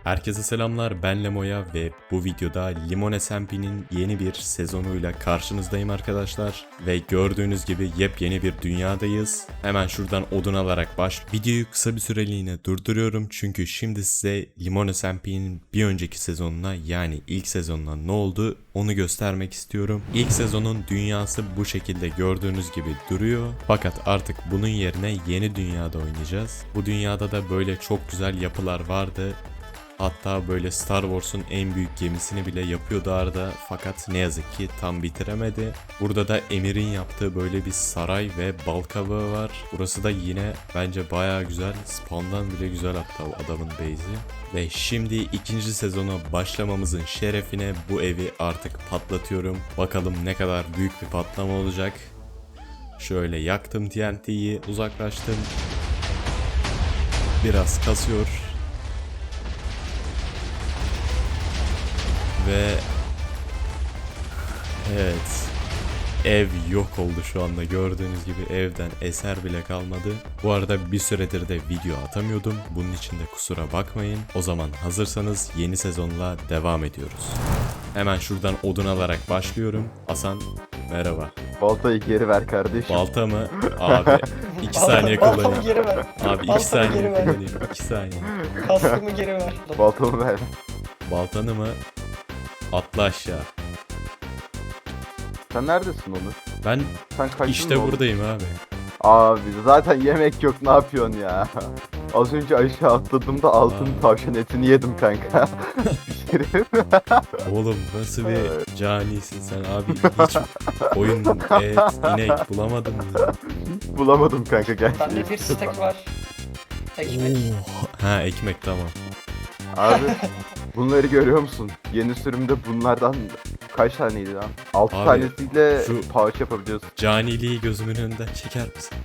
Herkese selamlar, ben Lemo'ya ve bu videoda Limon SMP'nin yeni bir sezonuyla karşınızdayım arkadaşlar. Ve gördüğünüz gibi yepyeni bir dünyadayız. Hemen şuradan odun alarak videoyu kısa bir süreliğine durduruyorum. Çünkü şimdi size Limon SMP'nin bir önceki sezonuna, yani ilk sezonuna ne oldu onu göstermek istiyorum. İlk sezonun dünyası bu şekilde gördüğünüz gibi duruyor. Fakat artık bunun yerine yeni dünyada oynayacağız. Bu dünyada da böyle çok güzel yapılar vardı. Hatta böyle Star Wars'un en büyük gemisini bile yapıyordu Arda, fakat ne yazık ki tam bitiremedi. Burada da Emir'in yaptığı böyle bir saray ve bal kabağı var. Burası da yine bence bayağı güzel. Spawn'dan bile güzel hatta adamın base'i. Ve şimdi ikinci sezona başlamamızın şerefine bu evi artık patlatıyorum. Bakalım ne kadar büyük bir patlama olacak. Şöyle yaktım TNT'yi, uzaklaştım. Biraz kasıyor. Ve evet, ev yok oldu şu anda, gördüğünüz gibi evden eser bile kalmadı. Bu arada bir süredir de video atamıyordum, bunun için de kusura bakmayın. O zaman hazırsanız yeni sezonla devam ediyoruz. Hemen şuradan odun alarak başlıyorum. Hasan merhaba. Baltayı geri ver kardeşim. Balta mı? Abi 2 saniye Baltamı kullanayım. geri ver. Abi 2 Baltamı saniye geri ver. kullanayım. 2 saniye. Kaskımı geri ver. Baltamı ver. Baltanı mı? Atla aşağı. Sen neredesin Onur? Ben Sen kaçtın işte mı oğlum? buradayım abi. Abi zaten yemek yok, ne yapıyorsun ya? Az önce aşağı atladığımda altın tavşan etini yedim kanka. Oğlum nasıl bir canisin sen abi, hiç koyun, et, inek bulamadın mı? Bulamadım kanka gerçekten. Bende bir stek var. Ekmek. Ha, ekmek, tamam. Abi bunları görüyor musun? Yeni sürümde bunlardan kaç taneydi lan? 6 Abi, tanesiyle şu- pouch yapabiliyorsun. Caniliği gözümün önünden çeker misin?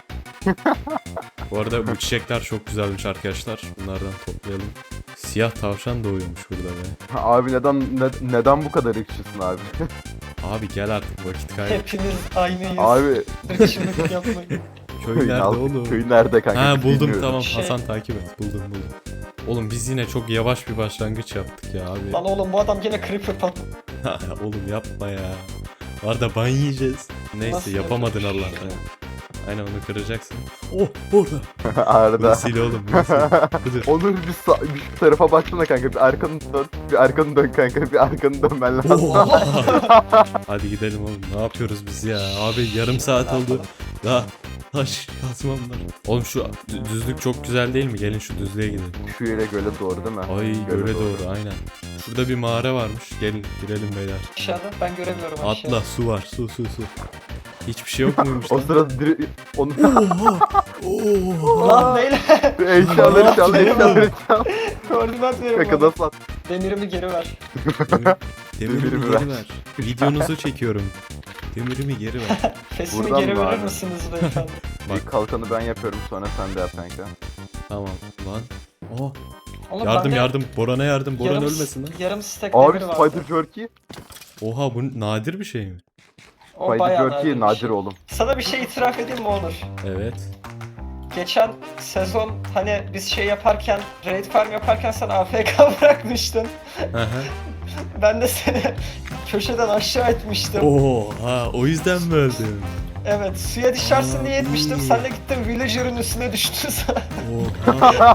Bu arada bu çiçekler çok güzelmiş arkadaşlar. Bunlardan toplayalım. Siyah tavşan doğuyormuş burada be. Abi neden bu kadar ırkçısın abi? Abi gel artık, vakit kaybı. Hepiniz aynıyız. Abi Irkçılık yapmayın. Köy nerede oğlum? Köy nerede kanka? Ha, buldum, Bilmiyorum. tamam. Şey- Hasan takip et. Buldum. Oğlum biz yine çok yavaş bir başlangıç yaptık ya abi. Lan oğlum bu adam gene creeper pat. Oğlum yapma ya. Var da ban yiyeceğiz. Neyse, Nasıl yapamadın yapacak? Allah'tan. Aynen, onu kıracaksın. Oh, orada. Arda. Bunu sil oğlum. Bunu sil. Dur. Onur bir şu tarafa baksana kanka, bir arkanı dön. Bir arkanı dön kanka, bir arkanı dönmen lazım. Oha! Hadi gidelim oğlum. Ne yapıyoruz biz ya? Abi yarım saat oldu. Daha taş kazmam var. Oğlum şu düzlük çok güzel değil mi? Gelin şu düzlüğe gidelim. Şu yere göle doğru değil mi? Ay, göle doğru, aynen. Şurada bir mağara varmış. Gelin girelim beyler. Aşağıda ben göremiyorum aşağıda. Atla, su var, su. Hiçbir şey yok muymuş O lan? sırada onu Oha! Lan neyle? eşyaları çal, eşyaları çal. Koordinat verin Kanka bana. nasıl at? Demirimi geri ver. Demirimi Demirimi geri ver. ver. Videonuzu çekiyorum. Demirimi geri ver. Fesimi Buradan geri mı verir abi? misiniz beyefendi? Bak. İlk kalkanı ben yapıyorum, sonra sen de yap kanka. Tamam lan. Oh. Oğlum Yardım bende Boran'a yardım. Boran yarım- ölmesin lan. Yarım stek Abi demir var. Spider Jerky. Oha, bu nadir bir şey mi? O Spider bayağı Jerky bir nadir şey. oğlum. Sana bir şey itiraf edeyim mi Onur? Evet. Geçen sezon hani biz şey yaparken, raid farm yaparken sen AFK bırakmıştın. Hı hı. Ben de seni köşeden aşağı etmiştim. Oha, o yüzden mi öldün? Evet, suya düşersin diye etmiştim. Sen de gittin villager'ın üstüne düştün sen. Oha.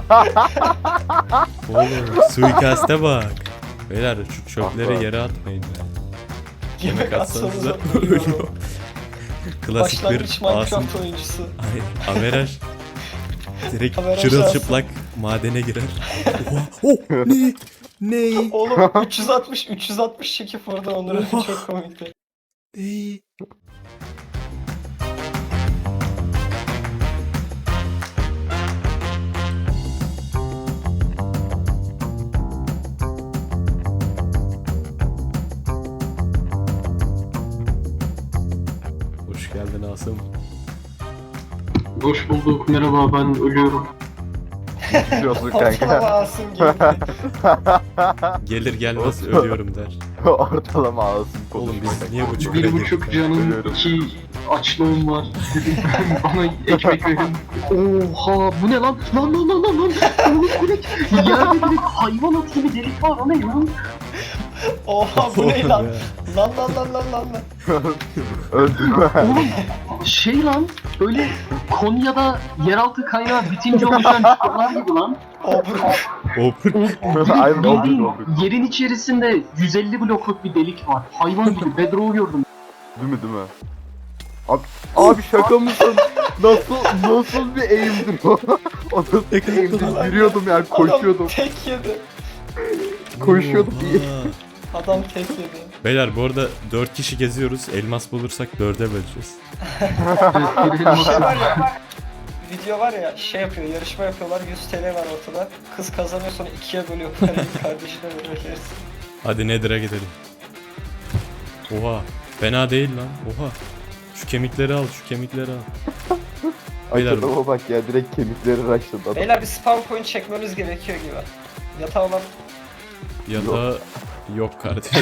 Oğlum suikaste bak. Beyler şu çöpleri Aha. yere atmayın ya. Yemek atsanıza atsanıza ölüyor. Klasik bir Başlangıç Minecraft asım. oyuncusu. Ay, averaj. Direkt Averaj çırılçıplak madene girer. Oha. Oh, ne? Ne? Oğlum 360 çekip orada Onur'u çok komikti. Ne? Hoş geldin Asım. Hoş bulduk. Merhaba, ben ölüyorum. Geçmiş olsun Ortalama kanka. Asım gibi. Gelir gelmez ölüyorum der. Ortalama ağzım Oğlum biz konuşmak. niye bu çukura 1,5 girdik? canım, Ölüyorum. 2 açlığım var. Dedim bana ekmek verin. Oha bu ne lan? Lan. Oğlum direkt yerde direkt hayvan atı gibi delik var. O ne lan? Oha bu ne lan? Lan. Öldüm. Oğlum şey lan böyle Konya'da yeraltı kaynağı bitince oluşan çukurlar gibi lan. Obruk. Aynen Bildiğin oldu. yerin içerisinde 150 blokluk bir delik var. Hayvan gibi Bedrock'u gördüm. Değil mi? Abi şaka mısın? Nasıl bir eğimdir o? O nasıl bir eğimdir? Yürüyordum yani koşuyordum. Adam tek yedi. Koşuyordum. Adam tek yedi. Beyler bu arada 4 kişi geziyoruz. Elmas bulursak 4'e böleceğiz. Şey var ya. Video var ya şey yapıyor, yarışma yapıyorlar, 100 TL var ortada. Kız kazanıyor sonra ikiye bölüyor parayı, kardeşine veriyor gerisi. Hadi Nether'a gidelim. Oha. Fena değil lan. Oha. Şu kemikleri al, şu kemikleri al. Beyler- Adama bak ya direkt kemikleri raşladı adam. Beyler bir spawn point çekmemiz gerekiyor gibi. Yatağı olan Yatağı yok kardeşim.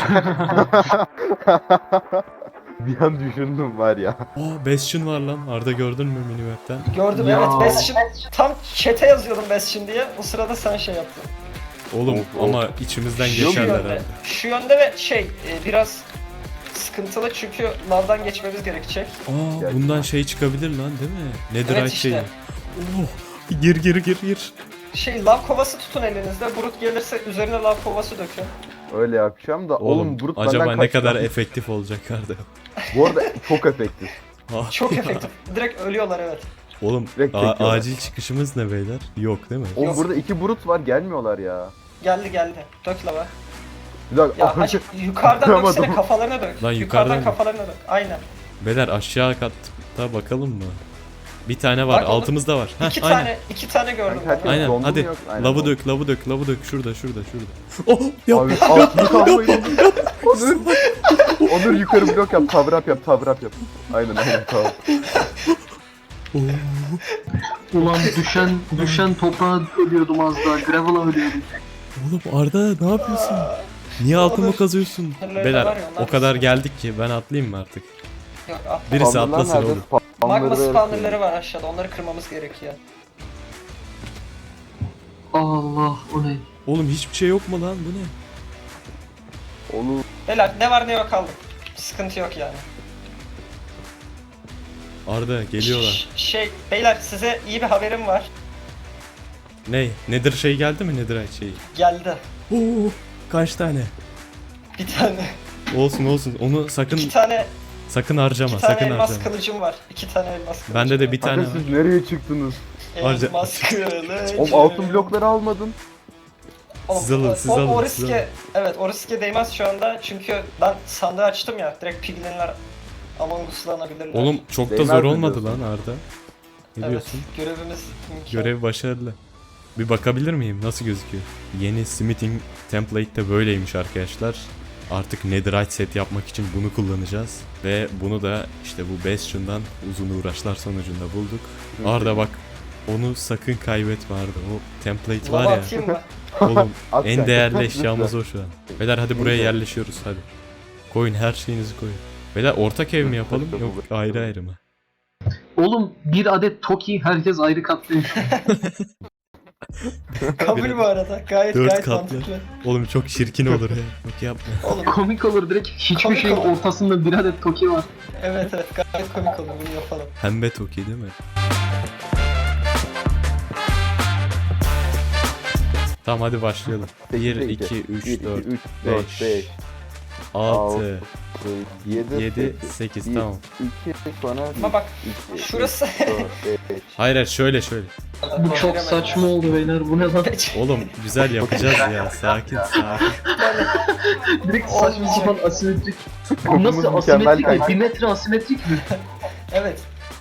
Bir an düşündüm var ya. Aa Bastion var lan. Arda gördün mü minimap'ten? gördüm Ya. evet Bastion. Tam chat'e yazıyordum Bastion diye. O sırada sen şey yaptın. Oğlum Of, ama içimizden Şu Şu geçerler yönde. abi. Şu yönde ve şey biraz sıkıntılı çünkü lavdan geçmemiz gerekecek. Aa bundan şey çıkabilir lan değil mi? Netherite Evet işte. şeyi. Oh. Gir. Şey lav kovası tutun elinizde. Brut gelirse üzerine lav kovası dökün. Öyle yapacağım da oğlum Brut acaba benden ne kaç kadar tane- efektif olacak Arda? Bu arada çok efektif. Ah, Çok efektif. Direkt ölüyorlar evet. Oğlum Direkt çekiyorlar. acil çıkışımız ne beyler? Yok değil mi? Oğlum Yok. burada 2 Brut var gelmiyorlar ya. Geldi. Dök lava. Bir dakika. Ya hacı yukarıdan Yapamadım. döksene kafalarına dök. Lan yukarıdan yukarıdan mı? kafalarına dök. Aynen. Beyler aşağı katta bakalım mı? Bir tane var, Bak oğlum, altımızda var. Heh, İki aynen. tane, iki tane gördüm Kanka, ben. Aynen Dondu mu hadi. yok? Aynen, Lavı dondu. dök, şurada. Oh yap. Abi altını kalmayın. Onur yukarı blok yap, cover up yap. Aynen tamam. Ulan düşen toprağa ölüyordum az daha. Gravel'a ölüyordum. Oğlum Arda ne yapıyorsun? Niye altımı Olur. kazıyorsun? Hırları Beyler var ya, onlar o kadar da- geldik ki ben atlayayım mı artık? Yok, ah. Birisi Spawnerlar atlasın nerede? oğlum. Magma Spawnerları- spawnerları var aşağıda. Onları kırmamız gerekiyor. Allah o ne? Oğlum hiçbir şey yok mu lan bu ne? Oğlum Beyler ne var ne yok aldım. Sıkıntı yok yani. Arda geliyorlar. Şey beyler size iyi bir haberim var. Ne? Nedir şey geldi mi Netherite şeyi? Geldi. Oo, kaç tane? Bir tane. Olsun onu sakın İki tane harcama, İki tane sakın elmas harcama. kılıcım var. İki tane elmas kılıcım Bende de var. bir tane kanka var. siz nereye çıktınız? Harca- Elmas kılıcım. Oğlum altın blokları almadın. Oğlum, Siz alın, siz alın, O siz alın. riske, evet o riske değmez şu anda çünkü ben sandığı açtım ya direkt piglinler Among Us'lanabilirler. Oğlum çok da Değmez zor mi olmadı diyorsun? lan Arda. Ne evet, diyorsun? görevimiz imkan. Görev başarılı. Bir bakabilir miyim? Nasıl gözüküyor? Yeni smithing template de böyleymiş arkadaşlar. Artık netherite set yapmak için bunu kullanacağız. Ve bunu da işte bu Bastion'dan uzun uğraşlar sonucunda bulduk. Arda bak onu sakın kaybetme Arda. O template Lava var ya. atayım mı? Oğlum At en kanka, değerli lütfen. eşyamız o şu an. Beyler hadi buraya Neyse. yerleşiyoruz hadi. Koyun her şeyinizi koyun. Beyler ortak ev mi yapalım yok ayrı ayrı mı? Oğlum bir adet Toki herkes ayrı katlıyor. Kabul bu arada. Gayet Dört gayet katlı. mantıklı. Oğlum çok çirkin olur ya. Yok yapma. Oğlum Komik olur direkt hiçbir Komik şeyin olur. ortasında bir adet Toki var. evet gayet komik olur bunu yapalım. Pembe Toki değil mi? Tamam hadi başlayalım. 1, 2, 3, 4, 5, 5, 6, 7, 7, 8 tamam. 2 sonra Ama bak 2, şurası. 5. Hayır şöyle. Bu çok saçma oldu beyler bu ne lan? Oğlum güzel yapacağız ya. Sakin. Direkt saçma sapan asimetrik. Bu nasıl Kopumuz mükemmel asimetrik mi? kanka. 1 metre asimetrik mi? Evet.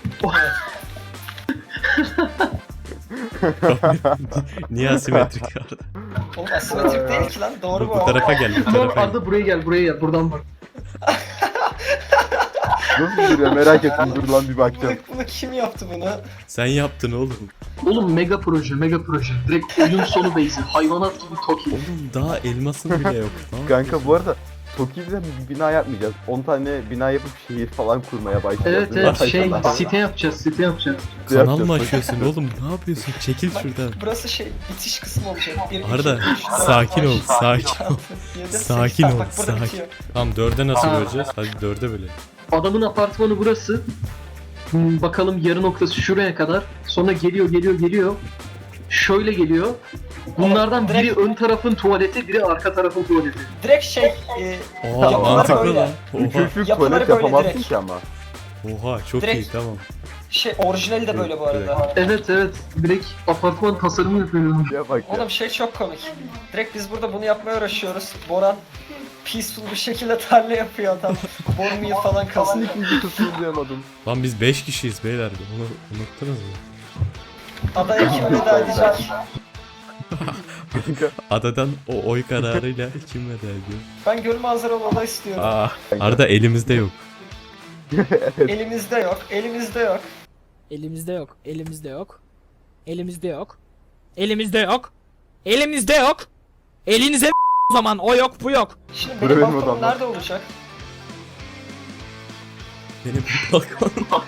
Niye asimetrik Arda? Oğlum asimetrik değil ki lan. Doğru bu. Bu tarafa gel, bu Tamam tarafa gel. Arda buraya gel buradan bak. Nasıl duruyor merak ettim dur lan bir bakacağım. Bunu kim yaptı bunu? Sen yaptın oğlum. Oğlum mega proje. Direkt oyun sonu base'i. Hayvanat gibi Toki. Oğlum daha elmasın bile yok. Tamam. Kanka bu arada Toki'den bir bina yapmayacağız. 10 tane bina yapıp şehir falan kurmaya başlayacağız. Evet Değil mi? site yapacağız site yapacağız. Kanal mı açıyorsun oğlum? Ne yapıyorsun? Çekil şuradan. Burası bitiş kısmı olacak. 1, 2, Arda, 3, 4, sakin ol, 5, sakin ol. 6, 7, 8. Sakin ol, Bak burada sakin. bitiyor. Tamam 4'e nasıl Ha. böleceğiz? Hadi 4'e bölelim. Adamın apartmanı burası. Bakalım yarı noktası şuraya kadar. Sonra geliyor. Şöyle geliyor. Bunlardan biri Direkt- ön tarafın tuvaleti, biri arka tarafın tuvaleti. Direkt Oha Yapıları mantıklı böyle. lan. Oha. Üçüncü Yapıları tuvalet böyle yapamazsın direkt. ki ama. Oha çok Direkt- iyi tamam. orijinali de böyle bu arada. Evet. Direkt apartman tasarımı yapıyorum. Ya bak ya. Oğlum çok komik. Direkt biz burada bunu yapmaya uğraşıyoruz. Boran peaceful bir şekilde tarla yapıyor adam. Borumu falan Nasıl kazanıyor. ikinci kısmını duyamadım. Lan biz 5 kişiyiz beyler. Onu unuttunuz mu? Adaya kim veda edecek? Adadan o oy kararıyla kim veda ediyor? Ben göl manzaralı oda istiyorum. Aa, Arda elimizde yok. Elimizde yok, elimizde yok. Elimizde yok. Elimizde yok. Elimizde yok. Elimizde yok. Elimizde yok. Elinize o zaman o yok bu yok. Şimdi Buraya benim benim balkonum odam var. nerede olacak? Benim balkon.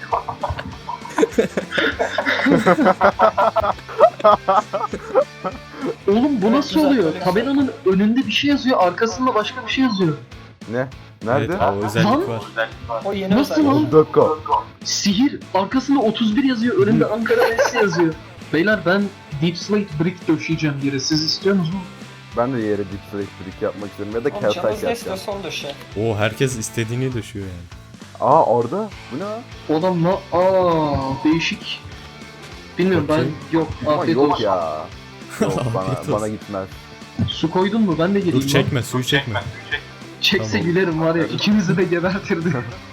Oğlum bu nasıl güzel, oluyor? böyle güzel. Tabelanın önünde bir şey yazıyor, arkasında başka bir şey yazıyor. Ne? Nerede? Evet o özellik Lan. var. O yeni Nasıl özellik. lan? Bir dakika. Sihir, arkasında 31 yazıyor, önünde Ankara Messi yazıyor. Beyler ben Deep Slate Brick döşeyeceğim yere, siz istiyor musunuz? Ben de yere deep slate brick yapmak istiyorum ya da Oğlum calcite canınız ne yapacağım. istiyorsa onu döşe. Oo herkes istediğini düşüyor yani. Aa orada. Bu ne lan? O adam değişik. Bilmiyorum Bakayım. ben yok Ama afiyet yok olsun. ya. Yok Afiyet bana olsun. gitmez. Su koydun mu? Ben de geleyim. Dur lan. çekme suyu çekme. Çekse Tamam. gülerim var ya, ikimizi de gebertirdi.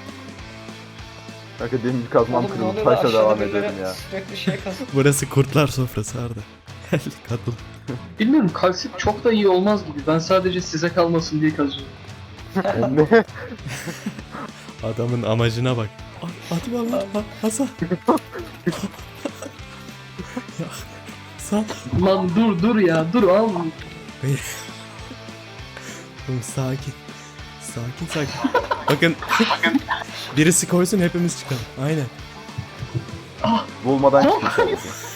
Kanka demir kazmam Oğlum ne kırıldı. oluyor lan Taşla aşağıda devam birileri edelim ya. sürekli kazıyor. Burası kurtlar sofrası Arda. Gel katıl. Bilmiyorum kalsit çok da iyi olmaz gibi. Ben sadece size kalmasın diye kazıyorum. Ne? Adamın amacına bak. Atma lan Hasan. Ya, sal. Lan dur ya dur al. Oğlum sakin. Sakin. Bakın. Birisi koysun hepimiz çıkalım. Aynen. Bulmadan çıkmış.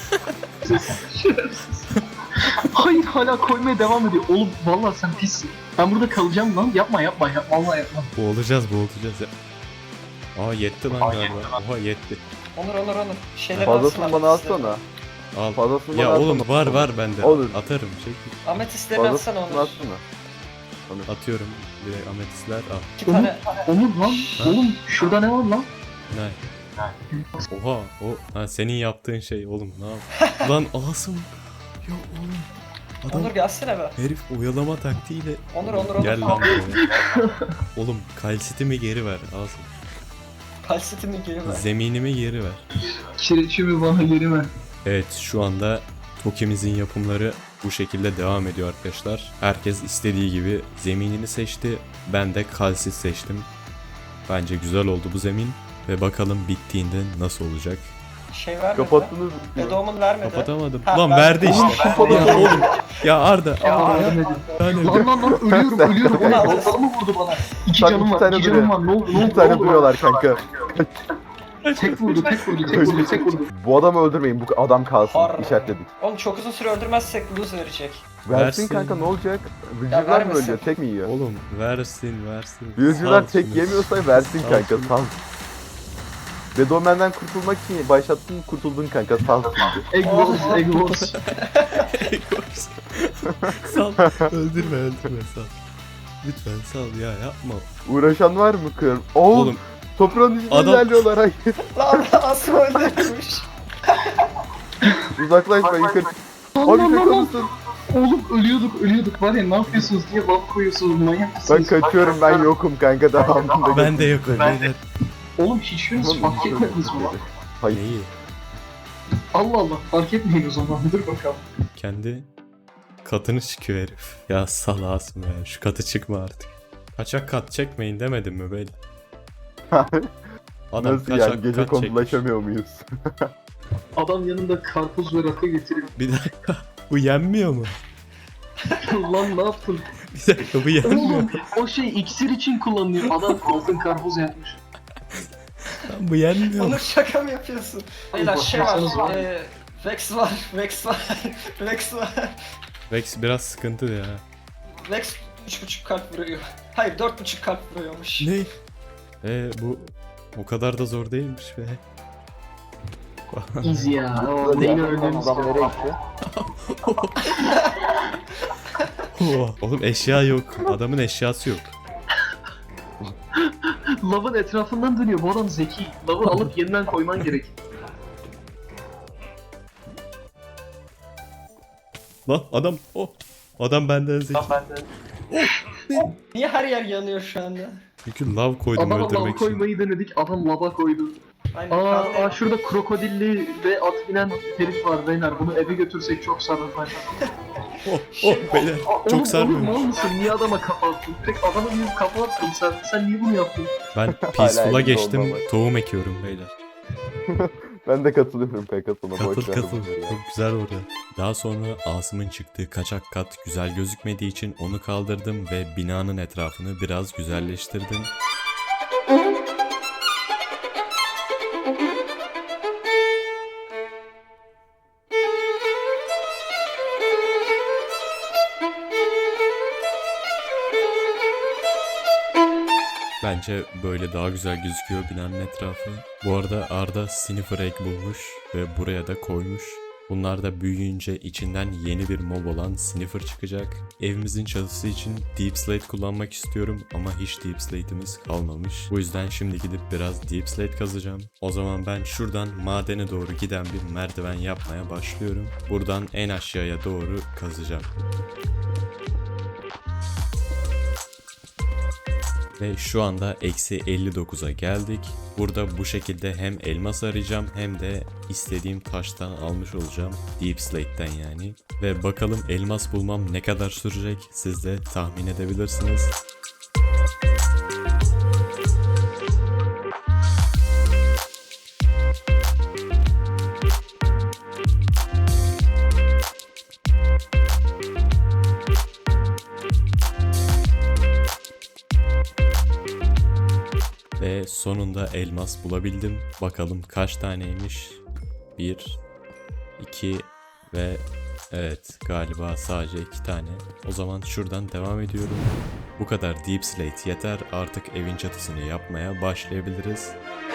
Hayır hala koymaya devam ediyor. Oğlum vallahi sen pissin. Ben burada kalacağım lan. Yapma. Vallahi yapma. Boğulacağız ya. Aa yetti lan galiba. Oha yetti. Onur. Şeyleri Fazlasını atsın bana ametistleri. atsana. Al. Fazlasını Ya bana oğlum atsana. var bende. Olur. Atarım çekil. Ametistlerini atsana Fazlasını Onur. atsana. Atıyorum. Direkt ametistler al. 2 tane. Onur lan. Oğlum şurada ne var lan? Ne? Oha o senin yaptığın şey oğlum ne yap? Lan Asım. Ya oğlum. Adam Onur gelsene be. herif oyalama taktiğiyle. Onur. Gel lan buraya. Oğlum kalsitimi geri ver Asım. Kalsitimi geri ver. Zeminimi geri ver. Kireçimi bana yerime. Evet şu anda Toki'mizin yapımları bu şekilde devam ediyor arkadaşlar. Herkes istediği gibi zeminini seçti. Ben de kalsit seçtim. Bence güzel oldu bu zemin. Ve bakalım bittiğinde nasıl olacak. Şey vermedi. Kapattınız mı? Bedoğumun vermedi. Kapatamadım. Ha, Lan ben- verdi işte. Ya oğlum. Ya Arda. Lan ölüyorum. Onu Oğlum alırız. baltalı mı vurdu bana? İki Bak, canım iki var. tane 2 canım duruyor. var. Ne oldu? Bir tane duruyorlar kanka. Tek vurdu. Bu adamı öldürmeyin. Bu adam kalsın. Har. İşaretledik. Oğlum çok uzun süre öldürmezsek lose verecek. Versin Versin. kanka ne olacak? Vücular mı vermesin. ölüyor? Tek mi yiyor? Oğlum versin. Vücular Sal tek şunu. yemiyorsa versin Sal kanka. şunu. Sal. Bedomen'den kurtulmak için başlattın kurtuldun kanka. Sal şimdi. Egg Wars. Sal. Öldürme sal. Lütfen sal ya yapma. Uğraşan var mı kır? Oğlum. Oğlum Toprağın içinde Adam- ilerliyorlar. Hayır. Lan Asım öldürmüş. Uzaklaşma yukarı. Abi şaka mısın? Oğlum ölüyorduk var ya ne yapıyorsunuz diye laf koyuyorsunuz manyak Ben mısınız? kaçıyorum ben yokum kanka devamında. ben de yokum beyler. Oğlum hiçbiriniz fark etmediniz mi lan? Hayır. Neyi? Allah fark etmeyin o zaman dur bakalım. Kendi katını çıkıyor herif. Ya salasın ya şu katı çıkma artık. Kaçak kat çekmeyin demedim mi beyler? Adam Nasıl kaçak yani gece kat çekmiş. kondulaşamıyor muyuz? Adam yanında karpuz ve rakı getiriyor. Bir dakika bu yenmiyor mu? Lan ne yaptın? Bir dakika bu yenmiyor. Oğlum o şey iksir için kullanılıyor. Adam altın karpuz yapmış. Lan bu yenmiyor. Onur şaka mı yapıyorsun? Beyler şey baksanız var. var. Vex var. Vex var. Vex var. Vex biraz sıkıntı ya. Vex 3.5 kalp vuruyor. Hayır 4.5 kalp vuruyormuş. Ne? Bu o kadar da zor değilmiş be. Easy ya. O Böyle neyin yani öldüğünü adam nereye gitti? Oğlum eşya yok. Adamın eşyası yok. Lavın etrafından dönüyor. Bu adam zeki. Lavı alıp yeniden koyman gerek. Lan adam adam benden zeki. Niye her yer yanıyor şu anda? Çünkü lav koydum Adama lav öldürmek için. koymayı denedik. Adam lava koydu. Aynen. Aa şurada krokodilli ve at binen herif var beyler. Bunu eve götürsek çok sarılır. Beyler Oğlum, çok sarmıyor. Oğlum mal mısın? Niye adama kafa attın? Direkt adama bir kafa attın sen. Sen niye bunu yaptın? Ben peaceful'a Hala geçtim. olmamak. Tohum ekiyorum beyler. Ben de katılıyorum Pegasus'a. Katıl katıl. Çok güzel orada. Daha sonra Asım'ın çıktığı kaçak kat güzel gözükmediği için onu kaldırdım ve binanın etrafını biraz güzelleştirdim. Bence böyle daha güzel gözüküyor binanın etrafı. Bu arada Arda Sniffer Egg bulmuş ve buraya da koymuş. Bunlar da büyüyünce içinden yeni bir mob olan Sniffer çıkacak. Evimizin çatısı için Deep Slate kullanmak istiyorum ama hiç Deep Slate'imiz kalmamış. Bu yüzden şimdi gidip biraz Deep Slate kazacağım. O zaman ben şuradan madene doğru giden bir merdiven yapmaya başlıyorum. Buradan en aşağıya doğru kazacağım. Ve şu anda eksi 59'a geldik. Burada bu şekilde hem elmas arayacağım hem de istediğim taştan almış olacağım. Deep Slate'den yani. Ve bakalım elmas bulmam ne kadar sürecek siz de tahmin edebilirsiniz. Ve sonunda elmas bulabildim. Bakalım kaç taneymiş? 1, 2 ve evet galiba sadece 2 tane. O zaman şuradan devam ediyorum. Bu kadar Deep Slate yeter. Artık evin çatısını yapmaya başlayabiliriz.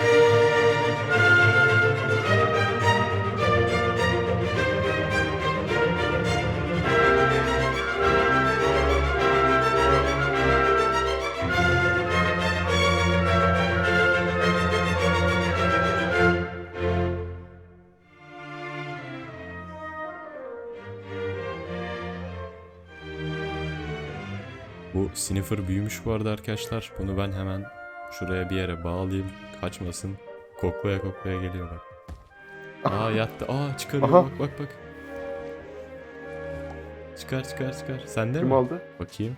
Bu Sniffer büyümüş bu arada arkadaşlar. Bunu ben hemen şuraya bir yere bağlayayım. Kaçmasın. Koklaya koklaya geliyor bak. Aa yattı. Aa çıkarıyor Aha. bak bak bak. Çıkar çıkar çıkar. Sende Kim mi? aldı? Bakayım.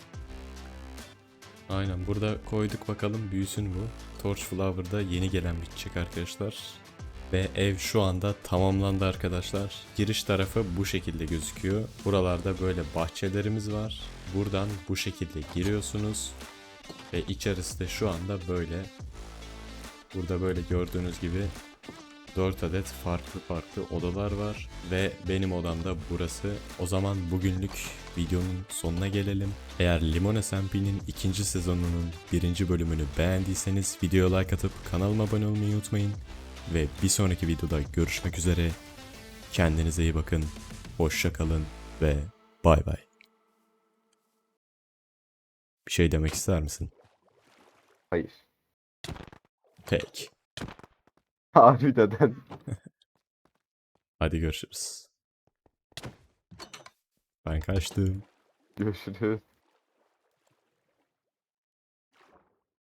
Aynen burada koyduk bakalım büyüsün bu. Torch Flower'da yeni gelen bitecek arkadaşlar. Ve ev şu anda tamamlandı arkadaşlar. Giriş tarafı bu şekilde gözüküyor. Buralarda böyle bahçelerimiz var. Buradan bu şekilde giriyorsunuz. Ve içerisi de şu anda böyle. Burada böyle gördüğünüz gibi 4 adet farklı odalar var. Ve benim odam da burası. O zaman bugünlük videonun sonuna gelelim. Eğer Limon SMP'nin 2. sezonunun 1. bölümünü beğendiyseniz videoya like atıp kanalıma abone olmayı unutmayın. Ve bir sonraki videoda görüşmek üzere. Kendinize iyi bakın. Hoşça kalın ve bay bay. Bir şey demek ister misin? Hayır. Peki. Abi neden? Hadi görüşürüz. Ben kaçtım. Görüşürüz.